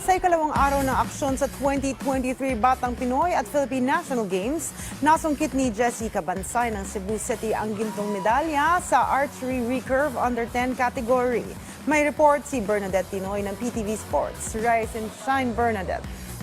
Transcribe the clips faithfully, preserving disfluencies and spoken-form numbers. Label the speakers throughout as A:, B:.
A: Sa ikalawang araw ng aksyon sa twenty twenty-three Batang Pinoy at Philippine National Games, nasungkit ni Jessie Cabansay ng Cebu City ang gintong medalya sa Archery Recurve Under ten category. May report si Bernadette Tinoy ng P T V Sports. Rise and shine, Bernadette.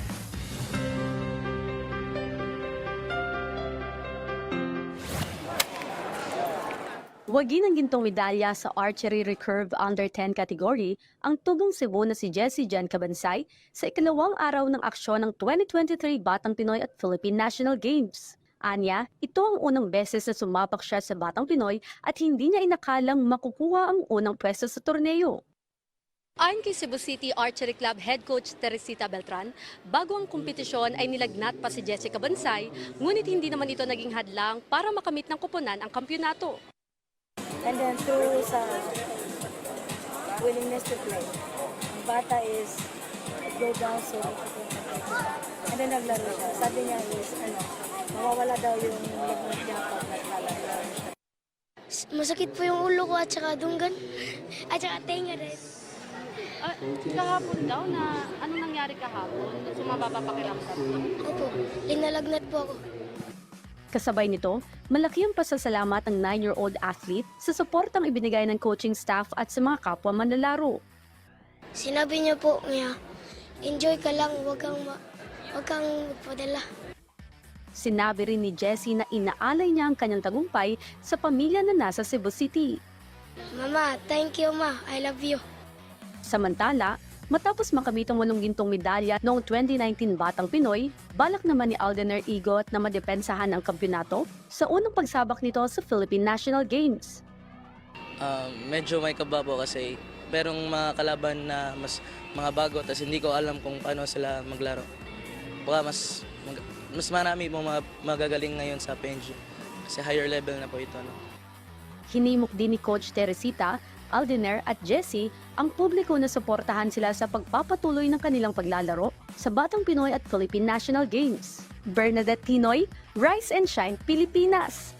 B: Wagi ng gintong medalya sa Archery Recurve Under ten category ang tugong Cebu na si Jessie Jan Cabansay sa ikalawang araw ng aksyon ng twenty twenty-three Batang Pinoy at Philippine National Games. Anya, ito ang unang beses na sumapak siya sa Batang Pinoy at hindi niya inakalang makukuha ang unang pwesto sa torneo. Ayon kay Cebu City Archery Club Head Coach Teresita Beltran, bago ang kompetisyon ay nilagnat pa si Jessie Cabansay, ngunit hindi naman ito naging hadlang para makamit ng kuponan ang kampyonato.
C: And then through sa willingness to play. Ang bata is go down so and then naglaro siya. Sabi niya is, ano, mawawala daw yung lagnat niya pag naglalaro siya.
D: Masakit po yung ulo ko at saka dunggan at saka tenga rin.
B: Uh, kahapon daw na ano nangyari kahapon? Sumaba pa pakiramdam?
D: Opo, linalagnat po ako.
B: Kasabay nito, malaki ang pasasalamat ng nine-year-old athlete sa suportang ibinigay ng coaching staff at sa mga kapwa manlalaro.
D: Sinabi niya po niya, enjoy ka lang, wag kang, ma- wag kang magpadala.
B: Sinabi rin ni Jessie na inaalay niya ang kanyang tagumpay sa pamilya na nasa Cebu City.
D: Mama, thank you ma, I love you.
B: Samantala, matapos makamit ang walong gintong medalya noong twenty nineteen Batang Pinoy, balak naman ni Aldener Igot na madepensahan ang kampyonato sa unang pagsabak nito sa Philippine National Games.
E: Uh, medyo may kababaw kasi merong mga kalaban na mas mga bago tapos hindi ko alam kung paano sila maglaro. Baka mas mag, mas marami pong mga magagaling ngayon sa P N G kasi higher level na po ito. No?
B: Hinimok din ni Coach Teresita, Aldener at Jessie ang publiko na suportahan sila sa pagpapatuloy ng kanilang paglalaro sa Batang Pinoy at Philippine National Games. Bernadette Tinoy, Rise and Shine, Pilipinas!